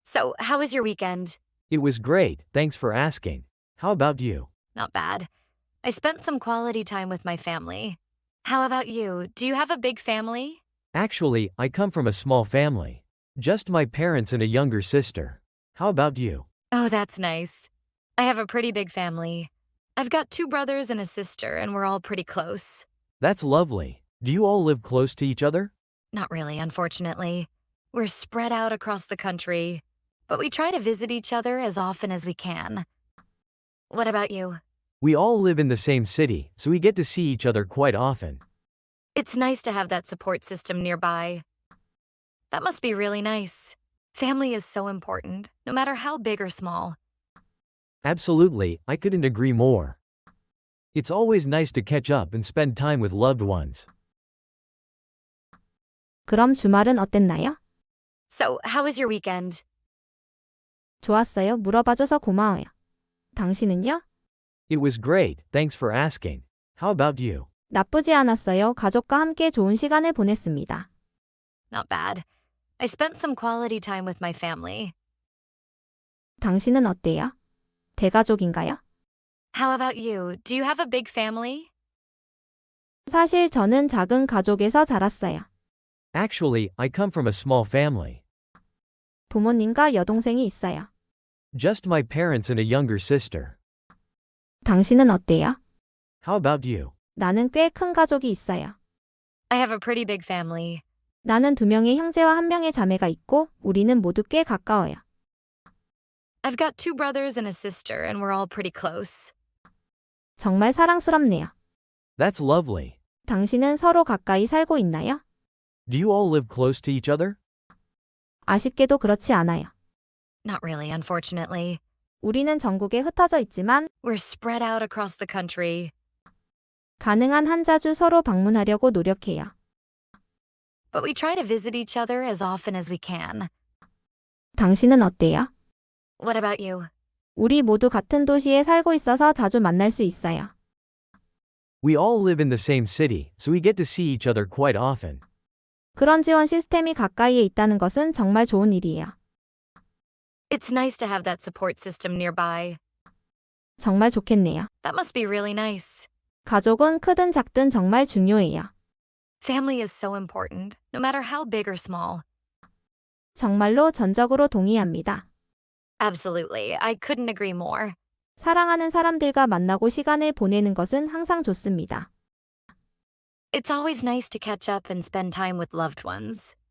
So, how was your weekend? It was great, thanks for asking. How about you? Not bad. I spent some quality time with my family. How about you? Do you have a big family? Actually, I come from a small family. Just my parents and a younger sister. How about you? Oh, that's nice. I have a pretty big family. I've got two brothers and a sister, and we're all pretty close. That's lovely. Do you all live close to each other? Not really, unfortunately. We're spread out across the country, but we try to visit each other as often as we can. What about you? We all live in the same city, so we get to see each other quite often. It's nice to have that support system nearby. That must be really nice. Family is so important, no matter how big or small. Absolutely, I couldn't agree more. It's always nice to catch up and spend time with loved ones. 그럼 주말은 어땠나요? So, how was your weekend? 좋았어요. 물어봐줘서 고마워요. 당신은요? It was great, thanks for asking. How about you? 나쁘지 않았어요. 가족과 함께 좋은 시간을 보냈습니다. Not bad. I spent some quality time with my family. 당신은 어때요? 대가족인가요? How about you? Do you have a big family? 사실 저는 작은 가족에서 자랐어요. Actually, I come from a small family. 부모님과 여동생이 있어요. Just my parents and a younger sister. 당신은 어때요? How about you? 나는 꽤 큰 가족이 있어요. I have a pretty big family. 나는 2명의 형제와 1명의 자매가 있고 우리는 모두 꽤 가까워요. I've got two brothers and a sister, and we're all pretty close. 정말 사랑스럽네요. That's lovely. 당신은 서로 가까이 살고 있나요? Do you all live close to each other? 아쉽게도 그렇지 않아요. Not really, unfortunately. 우리는 전국에 흩어져 있지만 We're spread out across the country, 가능한 한 자주 서로 방문하려고 노력해요. but we try to visit each other as often as we can. 당신은 어때요? What about you? 우리 모두 같은 도시에 살고 있어서 자주 만날 수 있어요. We all live in the same city, so we get to see each other quite often. 그런 지원 시스템이 가까이에 있다는 것은 정말 좋은 일이에요. It's nice to have that support system nearby. 정말 좋겠네요. That must be really nice. 가족은 크든 작든 정말 중요해요. Family is so important, no matter how big or small. 정말로 전적으로 동의합니다. Absolutely, I couldn't agree more. 사랑하는 사람들과 만나고 시간을 보내는 것은 항상 좋습니다. It's always nice to catch up and spend time with loved ones.